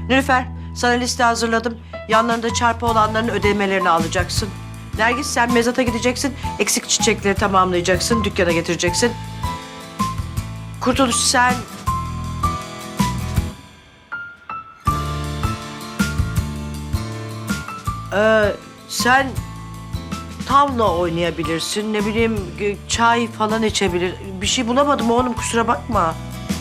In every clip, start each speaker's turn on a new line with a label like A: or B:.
A: Nilüfer, sana liste hazırladım. Yanlarında çarpı olanların ödemelerini alacaksın. Nergis, sen mezata gideceksin. Eksik çiçekleri tamamlayacaksın, dükkana getireceksin. Kurtuluş, sen... Sen tavla oynayabilirsin, ne bileyim çay falan içebilir. Bir şey bulamadım oğlum, kusura bakma.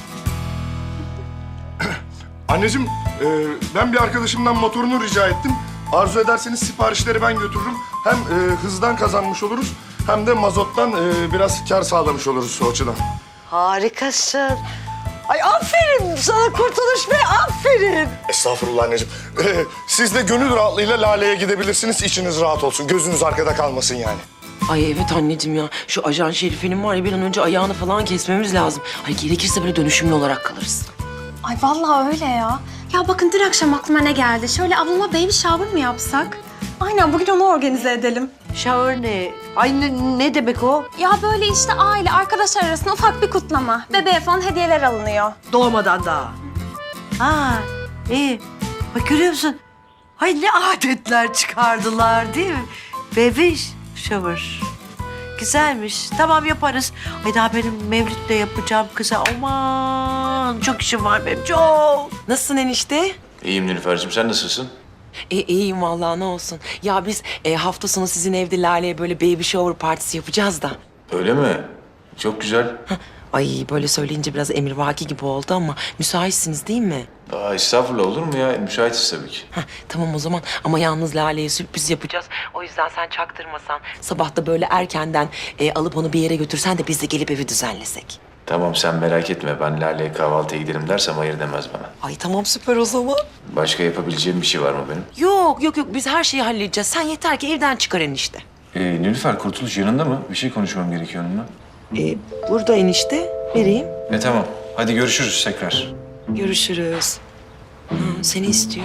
B: Anneciğim, ben bir arkadaşımdan motorunu rica ettim. Arzu ederseniz siparişleri ben götürürüm. Hem hızdan kazanmış oluruz hem de mazottan biraz kar sağlamış oluruz o açıdan.
A: Harikasın. Ay aferin sana Kurtuluş Bey, aferin.
B: Estağfurullah anneciğim. Siz de gönül rahatlığıyla Lale'ye gidebilirsiniz. İçiniz rahat olsun. Gözünüz arkada kalmasın yani.
C: Ay evet anneciğim ya. Şu ajan Şerife'nin var ya bir an önce ayağını falan kesmemiz lazım. Ay gerekirse böyle dönüşümlü olarak kalırız.
D: Ay vallahi öyle ya. Ya bakın dün akşam aklıma ne geldi? Şöyle ablama baby shower mı yapsak? Aynen bugün onu organize edelim.
A: Shower ne? Ay ne demek o?
D: Ya böyle işte aile, arkadaşlar arasında ufak bir kutlama. Bebeğe falan hediyeler alınıyor.
A: Doğmadan daha. Ha, iyi. Bak görüyor musun? Ay ne adetler çıkardılar değil mi? Baby shower. Güzelmiş. Tamam yaparız. Ay daha benim Mevlüt'le yapacağım kıza. Aman çok işim var benim çok.
C: Nasılsın enişte?
E: İyiyim Nilüfer'cim, sen nasılsın?
C: İyiyim vallahi ne olsun. Ya biz hafta sonu sizin evde Lale'ye böyle baby shower partisi yapacağız da.
E: Öyle mi? Çok güzel.
C: Ay böyle söyleyince biraz emrivaki gibi oldu ama müsaitsiniz değil mi?
E: Aa, estağfurullah, olur mu ya? Müsaitiz tabii ki.
C: Tamam o zaman ama yalnız Lale'ye sürpriz yapacağız. O yüzden sen çaktırmasan sabah da böyle erkenden alıp onu bir yere götürsen de biz de gelip evi düzenlesek.
E: Tamam, sen merak etme. Ben Lale'ye kahvaltıya giderim dersem hayır demez bana.
C: Ay tamam süper o zaman.
E: Başka yapabileceğim bir şey var mı benim?
C: Yok biz her şeyi halledeceğiz. Sen yeter ki evden çıkar enişte.
E: Nilüfer, Kurtuluş yanında mı? Bir şey konuşmam gerekiyor onunla.
C: Burada enişte vereyim.
E: Tamam. Hadi görüşürüz tekrar.
C: Görüşürüz. Seni istiyor.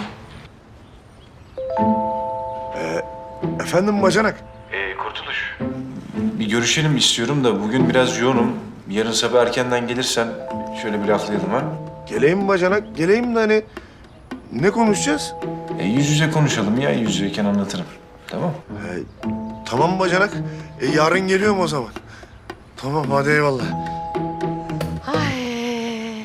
B: Efendim bacanak?
E: Kurtuluş. Bir görüşelim istiyorum da bugün biraz yoğunum. Yarın sabah erkenden gelirsen şöyle bir laflayalım ha.
B: Geleyim bacanak, geleyim de hani ne konuşacağız?
E: Yüz yüze konuşalım ya, yüz yüzeyken anlatırım. Tamam.
B: Tamam bacanak. Yarın geliyorum o zaman. Tamam hadi eyvallah.
A: Ay.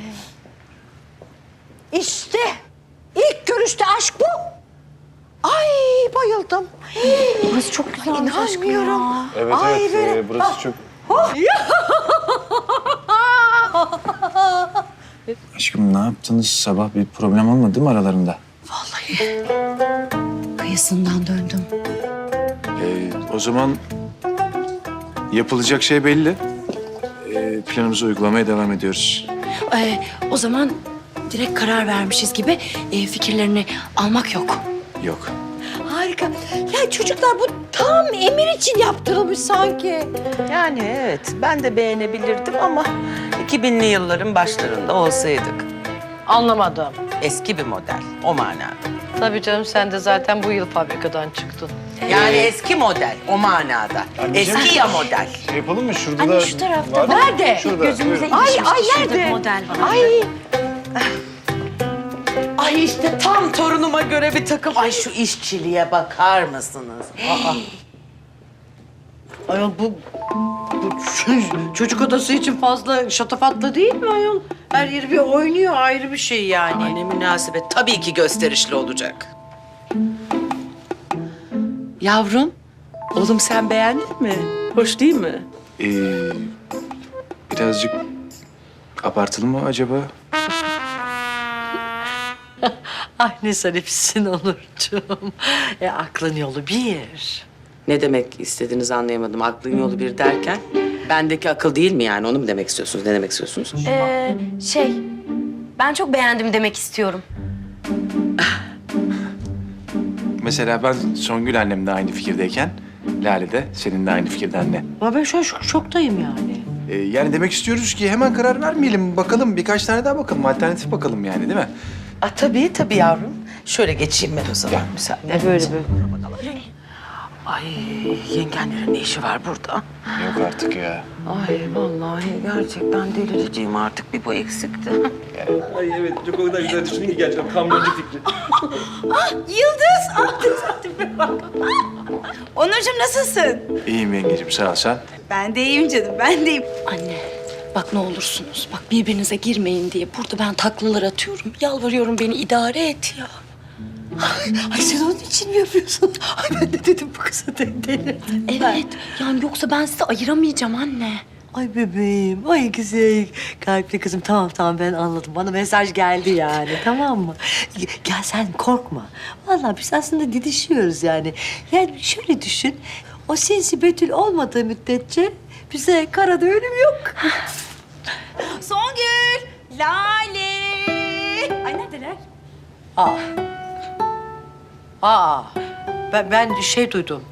A: İşte ilk görüşte aşk bu. Ay bayıldım.
D: Burası çok güzelmiş aşkım
A: İnanmıyorum.
D: ya.
E: Evet
A: Ay,
E: evet, burası çok...
F: Aşkım ne yaptınız? Sabah bir problem olmadı mı aralarında?
G: Kıyısından döndüm.
E: O zaman yapılacak şey belli. Planımızı uygulamaya devam ediyoruz.
G: O zaman direkt karar vermişiz gibi fikirlerini almak yok.
E: Yok.
A: Harika. Ya çocuklar bu tam Emir için yaptırılmış sanki.
C: Yani evet ben de beğenebilirdim ama 2000'li yılların başlarında olsaydık.
A: Anlamadım.
C: Eski bir model o manada.
A: Tabii canım sen de zaten bu yıl fabrikadan çıktın.
C: Yani eski model o manada. Eski ya model.
F: Yapalım mı? Şurada
G: Anne şu tarafta
A: Nerede?
G: gözümüze
A: Ay,
G: ilişmiş.
A: ay,
G: Şurada
A: nerede?
G: bir model var.
A: Ay.
C: Ay işte tam torunuma göre bir takım. Ay şu işçiliğe bakar mısınız?
A: Ayol bu çocuk odası için fazla şatafatlı değil mi ayol? Her yeri bir oynuyor, ayrı bir şey yani.
C: Ay ne münasebet. Tabii ki gösterişli olacak. Yavrum, oğlum sen beğendin mi? Hoş değil mi?
E: Birazcık abartılı mı acaba?
A: Ay ne zarifsin Onurcuğum. Aklın yolu bir.
C: Ne demek istediğinizi anlayamadım. Aklın yolu bir derken bendeki akıl değil mi yani? Onu mu demek istiyorsunuz? Ne demek istiyorsunuz?
G: Ben çok beğendim demek istiyorum.
E: Mesela ben Songül annemle aynı fikirdeyken Lale de seninle aynı fikirde anne.
A: Ama ben şu an şoktayım yani.
E: Yani demek istiyoruz ki hemen karar vermeyelim. Bakalım birkaç tane daha bakalım. Alternatif bakalım yani değil mi?
C: Tabii yavrum. Şöyle geçeyim ben o zaman. Müsaade.
A: Böyle böyle.
C: Ay yengenlerin ne işi var burada?
F: Yok artık ya.
C: Ay vallahi gerçekten delireceğim artık, bir bu eksikti.
H: Ay evet, çok o kadar güzel düşündün ki gerçekten kamyoncu fikri.
I: Yıldız! Ah tesadüfe bak. Onurcuğum nasılsın?
F: İyiyim yengecim, sağ ol sen.
I: Ben de iyiyim canım, ben de iyiyim.
G: Anne bak ne olursunuz. Bak birbirinize girmeyin diye burada ben taklalar atıyorum. Yalvarıyorum beni idare et ya.
A: Ay sen onun için mi yapıyorsun? Ay ben de dedim bu kıza delirdi.
G: Evet yani yoksa ben sizi ayıramayacağım anne.
A: Ay bebeğim, ay güzel kalpli kızım. Tamam ben anladım. Bana mesaj geldi yani, tamam mı? Gel sen korkma. Vallahi biz aslında didişiyoruz yani. Yani şöyle düşün, o sinsi Betül olmadığı müddetçe bize karada ölüm yok.
I: Songül, Lale. Ay neredeler?
A: Ben şey duydum.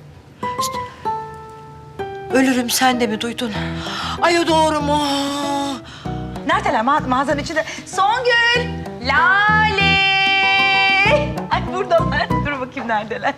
A: Ölürüm sen de mi duydun? Ay o doğru mu?
I: Neredeler? Mağazanın içinde. Songül, Lale. Ay buradalar. Dur bakayım neredeler.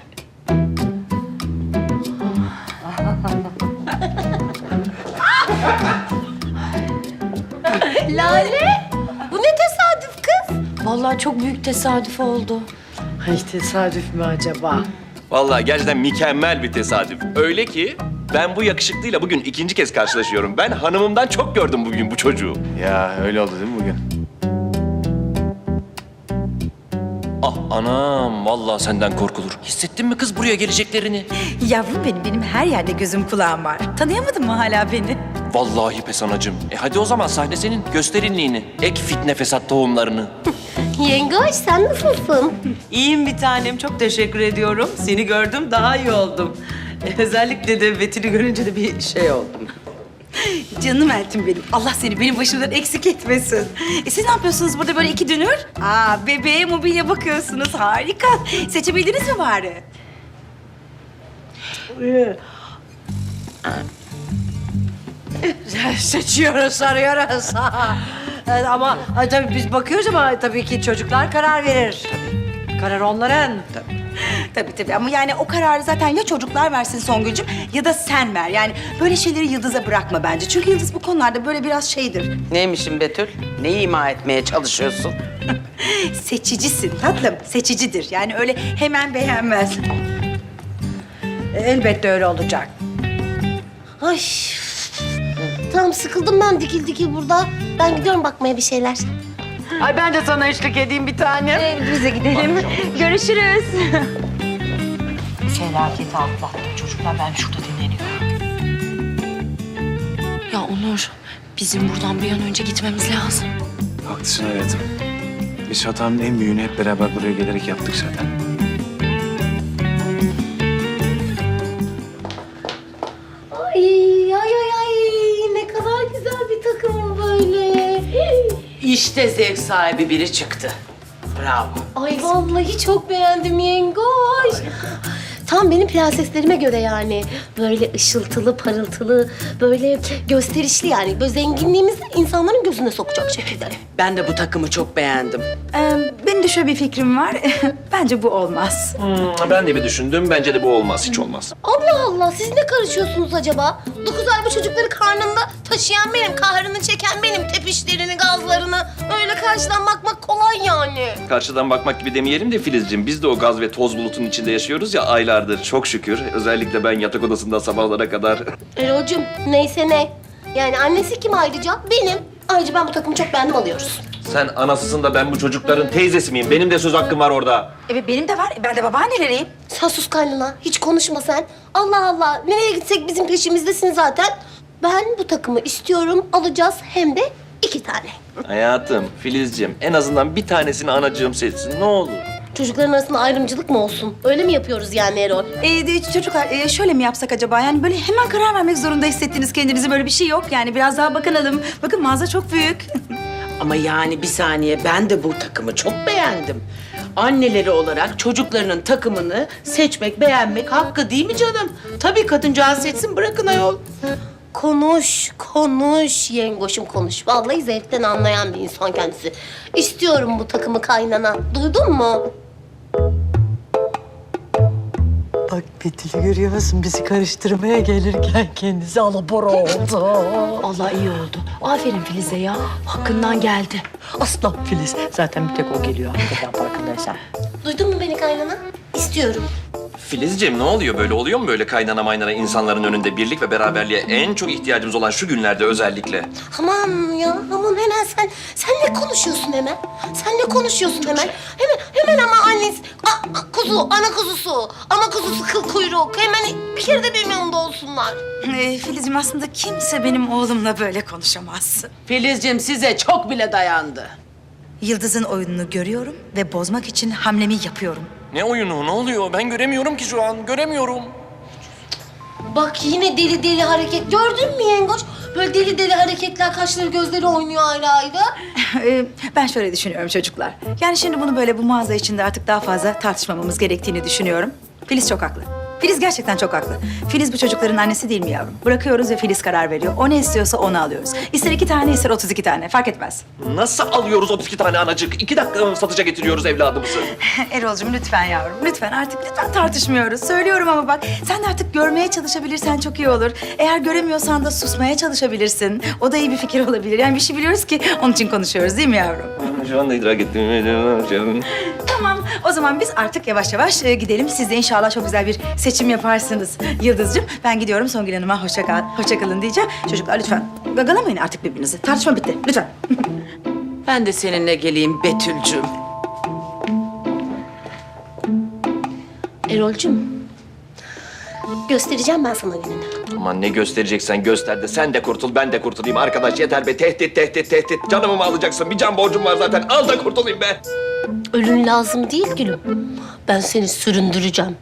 G: Lale bu ne tesadüf kız? Vallahi çok büyük tesadüf oldu.
A: Ay tesadüf mü acaba?
H: Vallahi gerçekten mükemmel bir tesadüf. Öyle ki ben bu yakışıklıyla bugün ikinci kez karşılaşıyorum. Ben hanımımdan çok gördüm bugün bu çocuğu.
F: Ya öyle oldu değil mi bugün?
H: Ah anam, vallahi senden korkulur. Hissettin mi kız buraya geleceklerini?
I: Yavrum benim her yerde gözüm kulağım var. Tanıyamadın mı hala beni?
H: Vallahi pes anacığım. Hadi o zaman sahne senin. Göster inliğini. Ek fitne fesat tohumlarını.
D: Yengoş sen nasılsın?
C: İyiyim bir tanem, çok teşekkür ediyorum. Seni gördüm, daha iyi oldum. Özellikle de Betül'ü görünce de bir şey oldum.
I: Canım Eltim benim. Allah seni benim başımdan eksik etmesin. Siz ne yapıyorsunuz burada böyle iki dünür? Bebeğe mobilya bakıyorsunuz. Harika. Seçebildiniz mi bari?
A: Seçiyoruz, arıyoruz. Evet, ama tabii biz bakıyoruz ama tabii ki çocuklar karar verir. Karar onların.
I: Tabii ama yani o kararı zaten ya çocuklar versin Songül'cüm ya da sen ver. Yani böyle şeyleri Yıldız'a bırakma bence. Çünkü Yıldız bu konularda böyle biraz şeydir.
C: Neymişim Betül? Neyi ima etmeye çalışıyorsun?
I: Seçicisin tatlım, seçicidir. Yani öyle hemen beğenmez.
A: Elbette öyle olacak.
J: Ay. Tamam sıkıldım ben dikil dikil burada. Ben gidiyorum bakmaya bir şeyler.
C: Ay ben de sana eşlik edeyim bir tane.
I: Bize gidelim. Görüşürüz.
A: Felaketi atlattım çocuklar. Ben şurada dinleniyorum.
G: Ya Onur bizim buradan bir an önce gitmemiz lazım.
F: Haklısın hayatım. Biz hatanın en büyüğünü hep beraber buraya gelerek yaptık zaten.
J: Ay ne kadar güzel bir takım böyle.
C: İşte zevk sahibi biri çıktı. Bravo.
J: Ay vallahi çok beğendim yengoş. Tam benim prenseslerime göre yani. Böyle ışıltılı, parıltılı, böyle gösterişli yani. Böyle zenginliğimizi insanların gözüne sokacak şekilde.
C: Ben de bu takımı çok beğendim.
I: Benim de şöyle bir fikrim var. Bence bu olmaz.
H: Ben de bir düşündüm. Bence de bu olmaz. Hiç olmaz.
J: Allah Allah siz ne karışıyorsunuz acaba? 9 ay bu çocukları karnında taşıyan benim, kahrını çeken benim, tepişlerini, gazlarını. Öyle karşıdan bakmak kolay yani.
H: Karşıdan bakmak gibi demeyelim de Filizciğim. Biz de o gaz ve toz bulutunun içinde yaşıyoruz ya aylardır. Çok şükür. Özellikle ben yatak odasında sabahlara kadar.
J: Erol'cum neyse ne. Yani annesi kim ayrıca? Benim. Ayrıca ben bu takımı çok beğendim alıyoruz.
H: Sen anasısın da ben bu çocukların teyzesi miyim? Benim de söz hakkım var orada.
I: Evet benim de var. Ben de babaanneleriyim.
J: Sen sus kaynana. Hiç konuşma sen. Allah Allah. Nereye gitsek bizim peşimizdesin zaten. Ben bu takımı istiyorum. Alacağız hem de 2 tane.
H: Hayatım, Filizciğim en azından bir tanesini anacığım seçsin. Ne olur.
J: Çocukların arasında ayrımcılık mı olsun? Öyle mi yapıyoruz yani Erol?
I: Çocuklar şöyle mi yapsak acaba? Yani böyle hemen karar vermek zorunda hissettiniz kendinizi. Böyle bir şey yok. Yani biraz daha bakınalım. Bakın mağaza çok büyük.
C: Ama yani bir saniye, ben de bu takımı çok beğendim. Anneleri olarak çocuklarının takımını seçmek, beğenmek hakkı değil mi canım? Tabii kadıncağız seçsin, bırakın ayol.
J: Konuş yengoşum konuş. Vallahi zevkten anlayan bir insan kendisi. İstiyorum bu takımı kaynana. Duydun mu?
A: Bak Betül'ü görüyor musun? Bizi karıştırmaya gelirken kendisi alabora oldu.
G: Allah iyi oldu. Aferin Filiz'e ya. Hakkından geldi.
A: Aslan Filiz. Zaten bir tek o geliyor hakikaten farkındaysan.
J: Duydun mu beni kaynana? İstiyorum.
H: Filizciğim ne oluyor böyle? Oluyor mu böyle kaynana maynana insanların önünde birlik ve beraberliğe en çok ihtiyacımız olan şu günlerde özellikle?
J: Aman ya, aman hemen sen ne konuşuyorsun hemen? Sen ne konuşuyorsun hemen? Hemen ama annesi, ana kuzusu kıl kuyruk. Hemen bir kere de benim yanımda olsunlar.
I: Filizciğim aslında kimse benim oğlumla böyle konuşamaz.
C: Filizciğim size çok bile dayandı.
I: Yıldız'ın oyununu görüyorum ve bozmak için hamlemi yapıyorum.
H: Ne oyunu? Ne oluyor? Ben göremiyorum ki şu an. Göremiyorum.
J: Bak yine deli deli hareket. Gördün mü yengoç? Böyle deli deli hareketler, kaşları gözleri oynuyor ayrı ayrı.
I: Ben şöyle düşünüyorum çocuklar. Yani şimdi bunu böyle bu mağaza içinde artık daha fazla tartışmamamız gerektiğini düşünüyorum. Filiz çok haklı. Filiz gerçekten çok haklı. Filiz bu çocukların annesi değil mi yavrum? Bırakıyoruz ve Filiz karar veriyor. O ne istiyorsa onu alıyoruz. İster 2 tane, ister 32 tane. Fark etmez.
H: Nasıl alıyoruz 32 tane anacık? 2 dakika mı satışa getiriyoruz evladımızı?
I: Erol'cum lütfen yavrum. Lütfen tartışmıyoruz. Söylüyorum ama bak sen de artık görmeye çalışabilirsen çok iyi olur. Eğer göremiyorsan da susmaya çalışabilirsin. O da iyi bir fikir olabilir. Yani bir şey biliyoruz ki onun için konuşuyoruz değil mi yavrum?
H: Şu anda idrak ettim.
I: Tamam. O zaman biz artık yavaş yavaş gidelim. Siz de inşallah çok güzel bir seçim yaparsınız Yıldız'cığım. Ben gidiyorum Songül Hanım'a hoşça kalın diyeceğim. Çocuklar lütfen gagalamayın artık birbirinizi. Tartışma bitti. Lütfen.
C: Ben de seninle geleyim Betül'cüğüm.
J: Erol'cum, göstereceğim ben sana gününü.
H: Aman ne göstereceksen göster de sen de kurtul, ben de kurtulayım. Arkadaş yeter be. Tehdit. Canımı mı alacaksın? Bir can borcum var zaten. Al da kurtulayım be.
J: Ölün lazım değil gülüm. Ben seni süründüreceğim.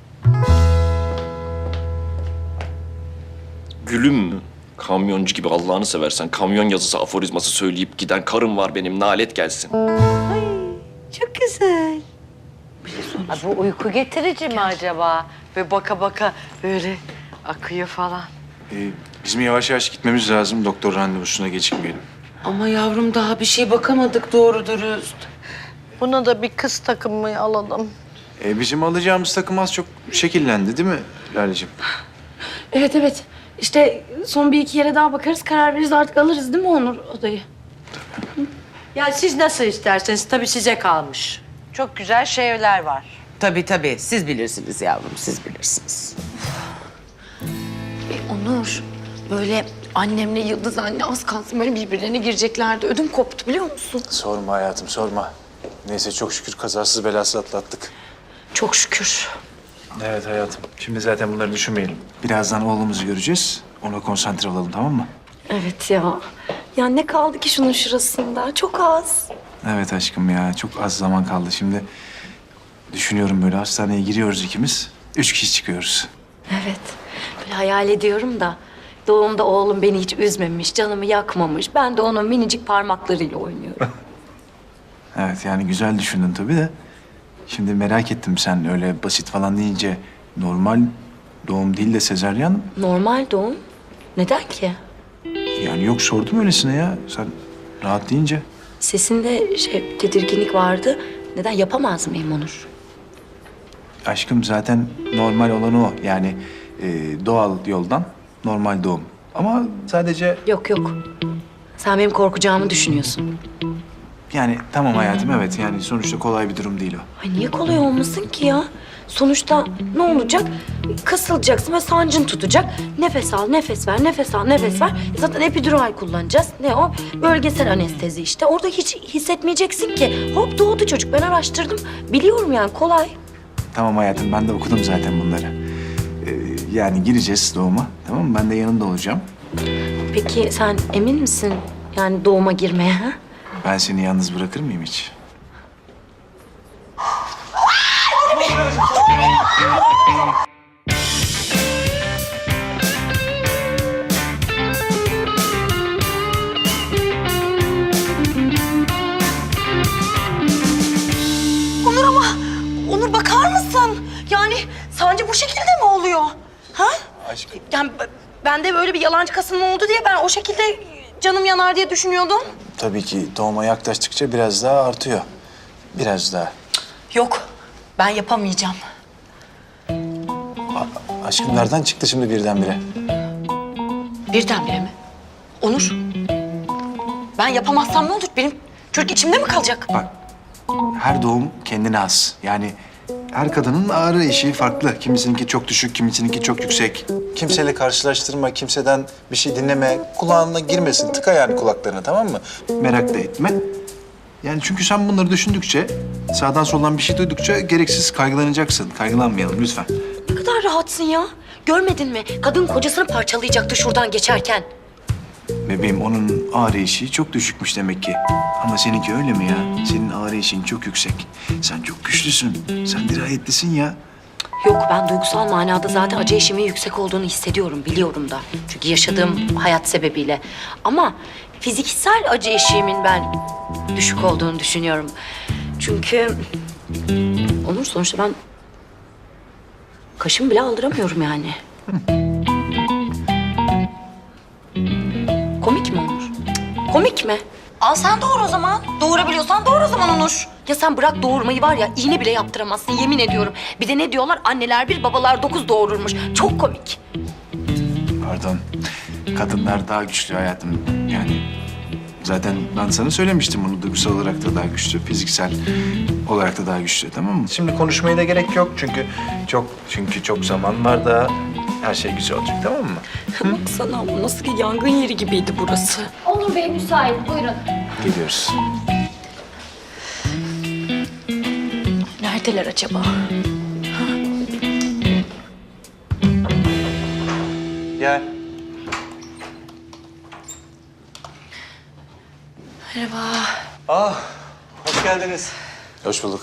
H: Gülüm mü? Kamyoncu gibi Allah'ını seversen kamyon yazısı aforizması söyleyip giden karım var benim. Nalet gelsin.
A: Çok güzel. Ha, bu uyku getirici mi acaba? Ve baka baka böyle akıyor falan.
E: Bizim yavaş yavaş gitmemiz lazım. Doktor randevusuna gecikmeyelim.
C: Ama yavrum daha bir şey bakamadık doğru dürüst.
A: Buna da bir kız takımı alalım.
E: Bizim alacağımız takım az çok şekillendi değil mi Lale'ciğim?
G: Evet. İşte son bir iki yere daha bakarız, karar veririz, artık alırız değil mi Onur odayı?
A: Ya siz nasıl isterseniz tabii size kalmış. Çok güzel şeyler var.
C: Tabii. Siz bilirsiniz yavrum, siz bilirsiniz.
G: Onur, böyle annemle Yıldız anne az kalsın böyle birbirlerine gireceklerdi. Ödüm koptu biliyor musun?
F: Sorma hayatım, sorma. Neyse çok şükür kazasız belasız atlattık.
G: Çok şükür.
E: Evet hayatım. Şimdi zaten bunları düşünmeyelim. Birazdan oğlumuzu göreceğiz. Ona konsantre olalım, tamam mı?
G: Evet ya. Ya ne kaldı ki şunun şurasında? Çok az.
E: Evet aşkım ya. Çok az zaman kaldı. Şimdi düşünüyorum böyle hastaneye giriyoruz ikimiz. 3 kişi çıkıyoruz.
G: Evet. Böyle hayal ediyorum da doğumda oğlum beni hiç üzmemiş, canımı yakmamış. Ben de onun minicik parmaklarıyla oynuyorum.
E: Evet yani güzel düşündün tabii de. Şimdi merak ettim sen öyle basit falan deyince normal doğum değil de sezaryen.
G: Normal doğum. Neden ki?
E: Yani yok sordum öylesine ya. Sen rahat deyince.
G: Sesinde tedirginlik vardı. Neden yapamaz mıyım Onur?
E: Aşkım zaten normal olan o. Yani doğal yoldan normal doğum. Ama sadece
G: Yok. Sen benim korkacağımı düşünüyorsun.
E: yani tamam hayatım evet yani sonuçta kolay bir durum değil o.
G: Ay niye kolay olmasın ki ya? Sonuçta ne olacak? Kasılacaksın ve sancın tutacak. Nefes al, nefes ver, nefes al, nefes ver. Zaten epidural kullanacağız. Ne o? Bölgesel anestezi işte. Orada hiç hissetmeyeceksin ki. Hop doğdu çocuk. Ben araştırdım. Biliyorum yani kolay.
E: Tamam hayatım ben de okudum zaten bunları. Yani gireceğiz doğuma tamam mı? Ben de yanında olacağım.
G: Peki sen emin misin yani doğuma girmeye ha?
E: Ben seni yalnız bırakır mıyım hiç?
I: Onur bakar mısın? Yani sancı bu şekilde mi oluyor? Ha?
E: Aşkım.
I: Yani ben de böyle bir yalancı kasılma oldu diye ben o şekilde canım yanar diye düşünüyordum.
F: Tabii ki doğuma yaklaştıkça biraz daha artıyor. Biraz daha.
I: Yok, ben yapamayacağım.
E: Aşkım nereden çıktı şimdi birdenbire?
G: Birdenbire mi? Onur. Ben yapamazsam ne olur? Benim çocuk içimde mi kalacak?
E: Bak, her doğum kendine has. Yani her kadının ağrı eşiği farklı. Kimisininki çok düşük, kimisininki çok yüksek. Kimseyle karşılaştırma, kimseden bir şey dinleme. Kulağına girmesin, tıka yani kulaklarına, tamam mı? Merak da etme. Yani çünkü sen bunları düşündükçe, sağdan soldan bir şey duydukça gereksiz kaygılanacaksın. Kaygılanmayalım lütfen.
G: Ne kadar rahatsın ya. Görmedin mi? Kadın kocasını parçalayacaktı şuradan geçerken.
E: Bebeğim onun ağrı eşiği çok düşükmüş demek ki. Ama seninki öyle mi ya? Senin ağrı eşiğin çok yüksek. Sen çok güçlüsün. Sen dirayetlisin ya.
G: Yok, ben duygusal manada zaten acı eşiğimin yüksek olduğunu hissediyorum, biliyorum da. Çünkü yaşadığım hayat sebebiyle. Ama fiziksel acı eşiğimin ben düşük olduğunu düşünüyorum. Çünkü Onur, sonuçta ben kaşımı bile aldıramıyorum yani. Komik mi Onur? Cık, komik mi? Al sen doğur o zaman. Doğurabiliyorsan doğur o zaman Onur. Ya sen bırak doğurmayı, var ya, iğne bile yaptıramazsın, yemin ediyorum. Bir de ne diyorlar? Anneler 1, babalar 9 doğururmuş. Çok komik.
E: Pardon. Kadınlar daha güçlü hayatım. Yani zaten ben sana söylemiştim bunu. Duygusal olarak da daha güçlü, fiziksel olarak da daha güçlü, tamam mı? Şimdi konuşmaya da gerek yok çünkü çok zaman var da her şey güzel olacak, tamam mı?
G: Baksana, bu nasıl ki yangın yeri gibiydi burası.
J: Onur Bey müsait, buyurun.
E: Gidiyoruz.
G: Neredeler acaba?
E: Gel.
G: Merhaba.
F: Hoş geldiniz.
E: Hoş bulduk.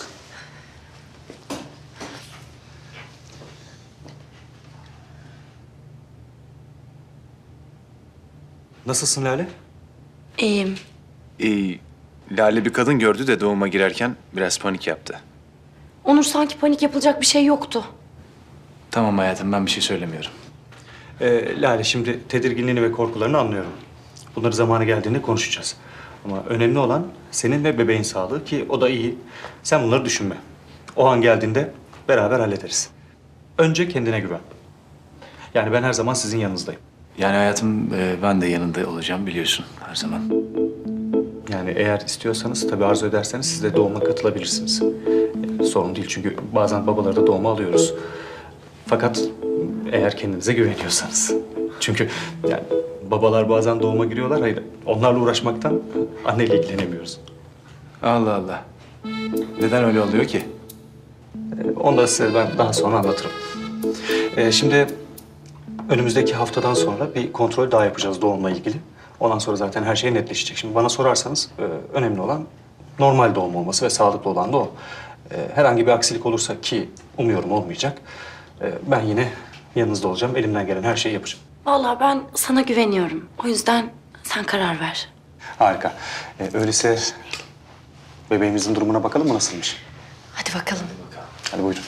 F: Nasılsın Lale?
G: İyiyim.
E: Lale bir kadın gördü de doğuma girerken biraz panik yaptı.
G: Onur, sanki panik yapılacak bir şey yoktu.
E: Tamam hayatım, ben bir şey söylemiyorum.
F: Lale, şimdi tedirginliğini ve korkularını anlıyorum. Bunları zamanı geldiğinde konuşacağız. Ama önemli olan senin ve bebeğin sağlığı, ki o da iyi. Sen bunları düşünme. O an geldiğinde beraber hallederiz. Önce kendine güven. Yani ben her zaman sizin yanınızdayım.
E: Yani hayatım ben de yanında olacağım biliyorsun her zaman.
F: Yani eğer istiyorsanız, tabii arzu ederseniz siz de doğuma katılabilirsiniz. Sorun değil, çünkü bazen babaları da doğuma alıyoruz. Fakat eğer kendinize güveniyorsanız. Çünkü yani babalar bazen doğuma giriyorlar, hayır onlarla uğraşmaktan anneyle ilgilenemiyoruz.
E: Allah Allah. Neden öyle oluyor ki?
F: Onu da size ben daha sonra anlatırım. Şimdi önümüzdeki haftadan sonra bir kontrol daha yapacağız doğumla ilgili. Ondan sonra zaten her şey netleşecek. Şimdi bana sorarsanız önemli olan normal doğum olması ve sağlıklı olan da o. Herhangi bir aksilik olursa, ki umuyorum olmayacak, ben yine yanınızda olacağım. Elimden gelen her şeyi yapacağım.
G: Vallahi ben sana güveniyorum. O yüzden sen karar ver.
F: Harika. Öyleyse bebeğimizin durumuna bakalım mı, nasılmış?
G: Hadi bakalım.
F: Hadi buyurun.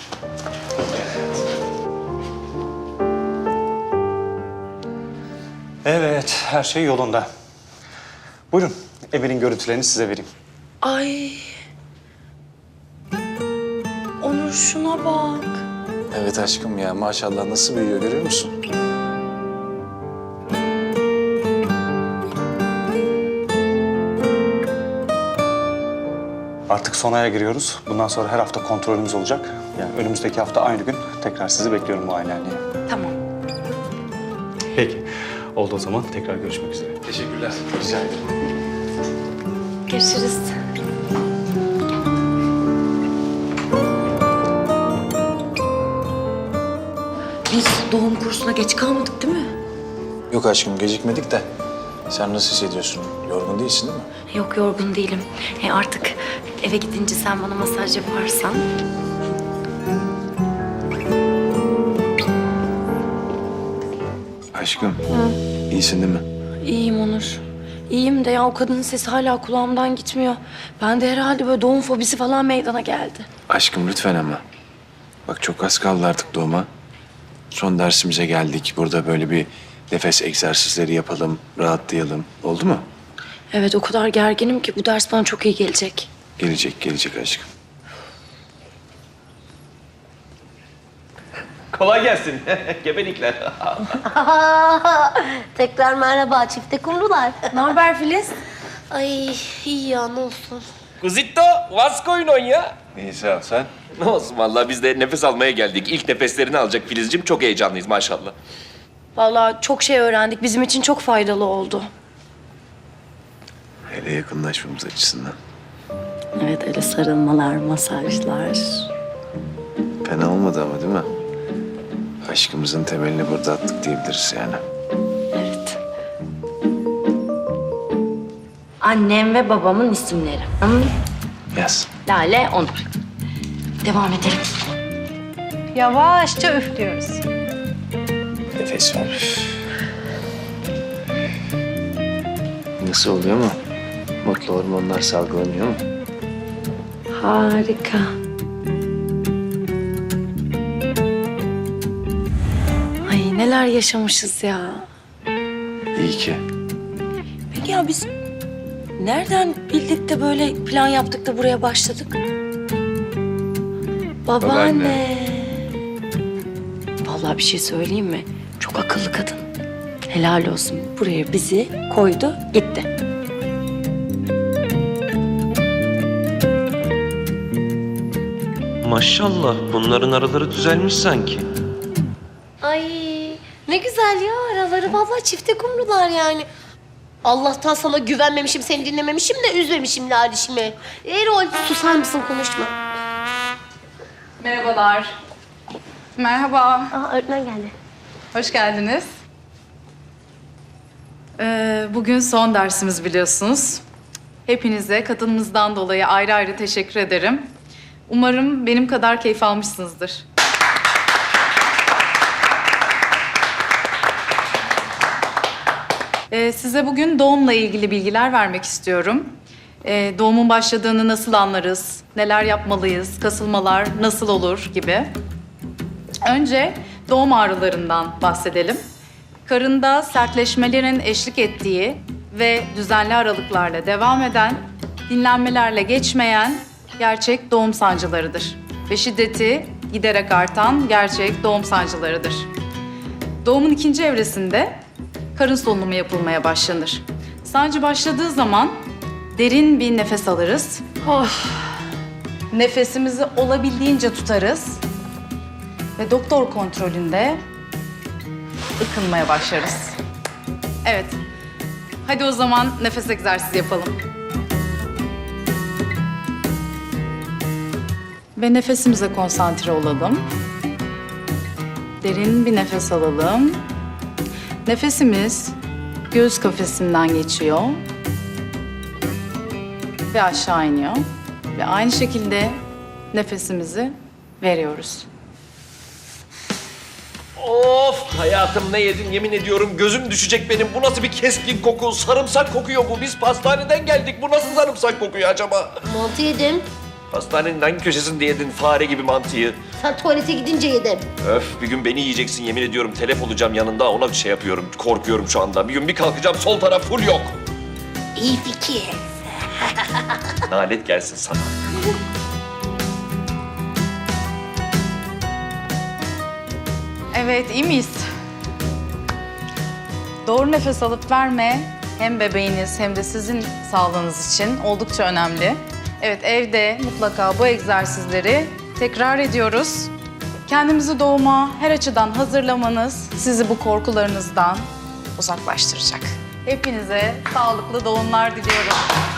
F: Evet, her şey yolunda. Buyurun, Emir'in görüntülerini size vereyim.
G: Ay. Onur, şuna bak.
E: Evet aşkım ya, maşallah nasıl büyüyor görüyor musun?
F: Artık son aya giriyoruz. Bundan sonra her hafta kontrolümüz olacak. Yani önümüzdeki hafta aynı gün tekrar sizi bekliyorum muayenehaneye.
G: Tamam.
F: Peki, oldu o zaman. Tekrar görüşmek üzere.
E: Teşekkürler.
F: Rica ederim.
G: Görüşürüz. Biz doğum kursuna geç kalmadık değil mi?
E: Yok aşkım, gecikmedik de. Sen nasıl hissediyorsun? Yorgun değilsin değil mi?
G: Yok, yorgun değilim. Artık eve gidince sen bana masaj yaparsan.
E: Aşkım, iyisin değil mi?
G: İyiyim Onur. İyiyim de ya, o kadının sesi hala kulağımdan gitmiyor. Ben de herhalde böyle doğum fobisi falan meydana geldi.
E: Aşkım lütfen ama. Bak çok az kaldı artık doğuma. Son dersimize geldik. Burada böyle bir nefes egzersizleri yapalım, rahatlayalım. Oldu mu?
G: Evet, o kadar gerginim ki bu ders bana çok iyi gelecek.
E: Gelecek aşkım.
H: Kolay gelsin. Gebelikler.
J: Tekrar merhaba çifte kumrular.
D: Ne haber Filiz?
J: Ay iyi ya ne olsun.
H: Kuzitto, what's going on ya?
E: İyi sağ ol sen.
H: Ne olsun vallahi biz de nefes almaya geldik. İlk nefeslerini alacak Filizciğim. Çok heyecanlıyız maşallah.
G: Vallahi çok şey öğrendik. Bizim için çok faydalı oldu.
E: Hele yakınlaşmamız açısından.
G: Evet öyle sarılmalar, masajlar.
E: Fena olmadı ama değil mi? Aşkımızın temelini burada attık diyebiliriz yani.
G: Evet. Annem ve babamın isimleri.
E: Yaz.
G: Lale, Onur. Devam edelim.
I: Yavaşça üflüyoruz.
E: Nefes ver. Nasıl oluyor mu? Mutlu hormonlar salgılanıyor mu?
G: Harika. Ay neler yaşamışız ya.
E: İyi ki.
G: Peki ya biz nereden bildik de böyle plan yaptık da buraya başladık? Babaanne. Vallahi bir şey söyleyeyim mi? Çok akıllı kadın. Helal olsun. Buraya bizi koydu, gitti.
H: Maşallah bunların araları düzelmiş sanki.
J: Ay ne güzel ya araları vallahi çifte kumrular yani. Allah'tan sana güvenmemişim, seni dinlememişim de üzmemişim Lalişimi. Erol susar mısın konuşma.
K: Merhabalar. Merhaba.
J: Aa öğretmen geldi.
K: Hoş geldiniz. Bugün son dersimiz biliyorsunuz. Hepinize katılımınızdan dolayı ayrı ayrı teşekkür ederim. Umarım benim kadar keyif almışsınızdır. Size bugün doğumla ilgili bilgiler vermek istiyorum. Doğumun başladığını nasıl anlarız, neler yapmalıyız, kasılmalar nasıl olur gibi. Önce doğum ağrılarından bahsedelim. Karında sertleşmelerin eşlik ettiği ve düzenli aralıklarla devam eden, dinlenmelerle geçmeyen gerçek doğum sancılarıdır. Ve şiddeti giderek artan gerçek doğum sancılarıdır. Doğumun ikinci evresinde karın solunumu yapılmaya başlanır. Sancı başladığı zaman derin bir nefes alırız. Nefesimizi olabildiğince tutarız. Ve doktor kontrolünde ıkınmaya başlarız. Evet. Hadi o zaman nefes egzersizi yapalım. Ve nefesimize konsantre olalım. Derin bir nefes alalım. Nefesimiz göğüs kafesinden geçiyor. Ve aşağı iniyor. Ve aynı şekilde nefesimizi veriyoruz.
H: Of hayatım ne yedim yemin ediyorum gözüm düşecek benim. Bu nasıl bir keskin koku? Sarımsak kokuyor bu. Biz pastaneden geldik. Bu nasıl sarımsak kokuyor acaba?
J: Mantı yedim.
H: Hastanenin hangi köşesinde yedin fare gibi mantıyı?
J: Sen tuvalete gidince yedim.
H: Öf bir gün beni yiyeceksin yemin ediyorum. Telef olacağım yanında ona bir şey yapıyorum. Korkuyorum şu anda. Bir gün bir kalkacağım sol taraf full yok.
J: İyi fikir.
H: Nalet gelsin sana.
K: Evet, iyi miyiz? Doğru nefes alıp verme hem bebeğiniz hem de sizin sağlığınız için oldukça önemli. Evet, evde mutlaka bu egzersizleri tekrar ediyoruz. Kendimizi doğuma her açıdan hazırlamanız sizi bu korkularınızdan uzaklaştıracak. Hepinize sağlıklı doğumlar diliyorum.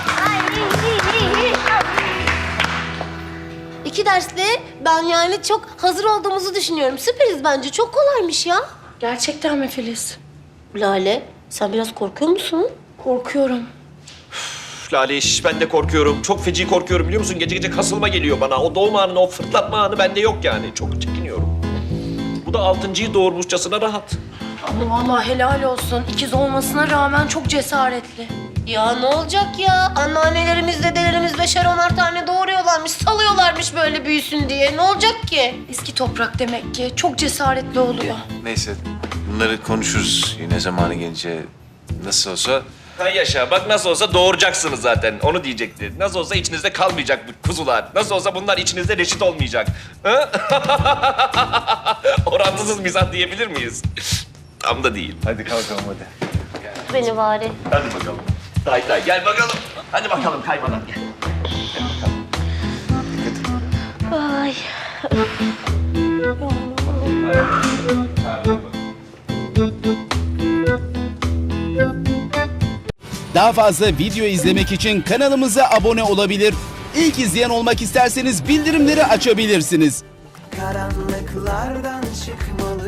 J: İki dersle ben yani çok hazır olduğumuzu düşünüyorum. Süperiz bence. Çok kolaymış ya.
G: Gerçekten mi Filiz?
J: Lale, sen biraz korkuyor musun?
G: Korkuyorum.
H: Üf, Lale iş ben de korkuyorum. Çok feci korkuyorum biliyor musun? Gece gece kasılma geliyor bana. O doğum anı, o fırlatma anı bende yok yani. Çok çekiniyorum. Bu da altıncıyı doğurmuşçasına rahat.
G: Ama vallahi helal olsun. İkiz olmasına rağmen çok cesaretli.
J: Ya ne olacak ya? Anneannelerimiz, dedelerimiz 5'er 10'ar tane doğuruyorlarmış, salıyorlarmış böyle büyüsün diye. Ne olacak ki?
G: Eski toprak demek ki. Çok cesaretli oluyor.
E: Neyse bunları konuşuruz yine zamanı gelince. Nasıl olsa
H: Ha yaşa bak nasıl olsa doğuracaksınız zaten. Onu diyecekti. Nasıl olsa içinizde kalmayacak bu kuzular. Nasıl olsa bunlar içinizde reşit olmayacak. Ha? Orantısız Orantısız mizah diyebilir miyiz? Tam da değil.
E: Hadi kalkalım hadi.
J: Beni bari.
H: Hadi bakalım. Tay gel bakalım. Hadi bakalım kaymadan gel.
J: Ay.
L: Daha fazla video izlemek için kanalımıza abone olabilir. İlk izleyen olmak isterseniz bildirimleri açabilirsiniz.
M: Karanlıklardan çıkmalı